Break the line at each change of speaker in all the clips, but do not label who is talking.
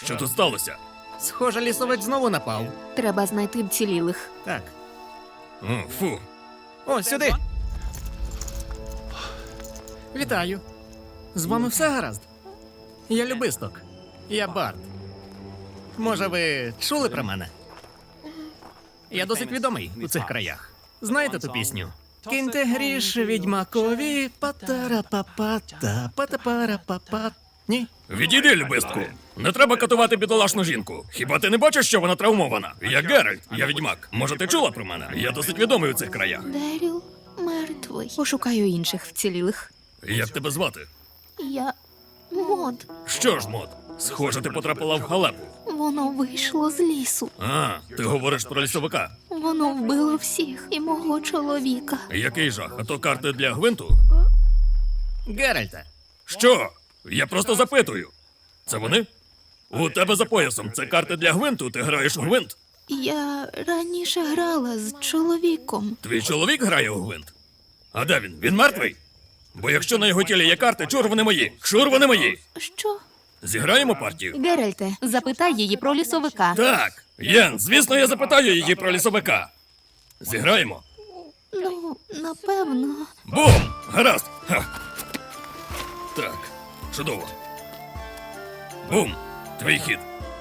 Що тут сталося?
Схоже, лісовець знову напав.
Треба знайти вцілілих.
Так.
О, фу.
О, сюди. Вітаю. З вами все гаразд? Я Любисток. Я Барт. Може, ви чули про мене? Я досить відомий у цих краях. Знаєте ту пісню? Киньте гріш відьмакові, патара-папата, пата-пара-папа. Ні?
Відійди, любистку. Не треба катувати бідолашну жінку. Хіба ти не бачиш, що вона травмована? Я Геральт, я відьмак. Може, ти чула про мене? Я досить відомий у цих краях.
Деріл мертвий. Пошукаю інших вцілілих.
Як тебе звати?
Я Мод.
Що ж, Мод? Схоже, ти потрапила в халепу.
Воно вийшло з лісу.
А, ти говориш про лісовика.
Воно вбило всіх і мого чоловіка.
Який жах? А то карти для гвинту?
Геральте.
Що? Я просто запитую. Це вони? У тебе за поясом це карти для гвинту, ти граєш у гвинт.
Я раніше грала з чоловіком.
Твій чоловік грає у гвинт? А де він? Він мертвий? Бо якщо на його тілі є карти, чур вони мої! Чур вони мої!
Що?
Зіграємо партію?
Геральте, запитай її про лісовика.
Так, Єн, звісно, я запитаю її про лісовика. Зіграємо?
Ну, напевно.
Бум! Гаразд! Ха. Так, чудово. Бум! Твій хід.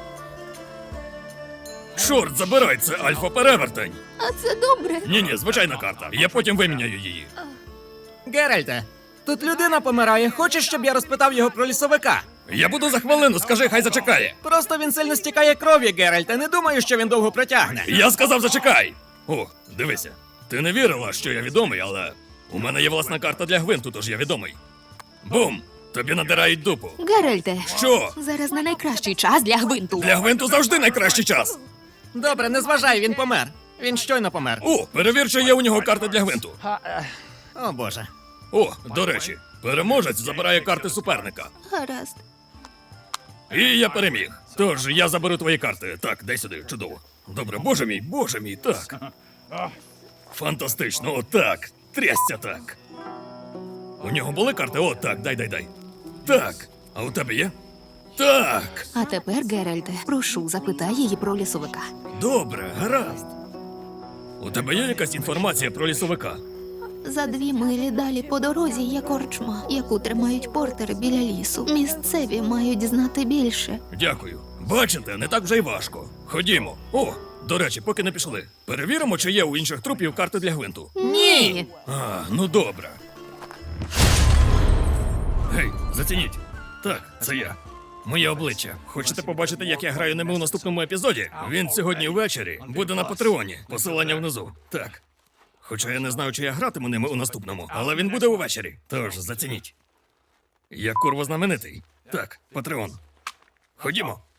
Чорт, забирай, це альфа-перевертень.
А це добре.
Ні-ні, звичайна карта. Я потім виміняю її.
Геральте, тут людина помирає. Хочеш, щоб я розпитав його про лісовика?
Я буду за хвилину, скажи, хай зачекає.
Просто він сильно стікає кров'ю, Геральте. Не думаю, що він довго протягне.
Я сказав, зачекай! О, дивися. Ти не вірила, що я відомий, але у мене є власна карта для гвинту, тож я відомий. Бум! Тобі надирають дупу.
Геральте,
Що?
зараз не найкращий час для гвинту.
Для гвинту завжди найкращий час.
Добре, не зважай, він помер. Він щойно помер.
О, перевір, чи є у нього карта для гвинту.
О, Боже.
О, до речі, переможець забирає карти суперника.
Гаразд.
І я переміг. Тож я заберу твої карти. Так, дай сюди, чудово. Добре, боже мій, так. Фантастично, отак. Трясся так. У нього були карти? О, так, дай. Так. А у тебе є? Так.
А тепер, Геральте, прошу, запитай її про лісовика.
Добре, гаразд. У тебе є якась інформація про лісовика?
За 2 милі далі по дорозі є корчма, яку тримають портери біля лісу. Місцеві мають знати більше.
Дякую. Бачите, не так вже й важко. Ходімо. О, до речі, поки не пішли. Перевіримо, чи є у інших трупів карти для гвинту.
Ні!
А, ну добре. Гей, зацініть. Так, це я. Моє обличчя. Хочете побачити, як я граю ними у наступному епізоді? Він сьогодні ввечері буде на Патреоні. Посилання внизу. Так. Хоча я не знаю, чи я гратиму ними у наступному, але він буде увечері. Тож зацініть. Я курва знаменитий. Так, Патреон. Ходімо.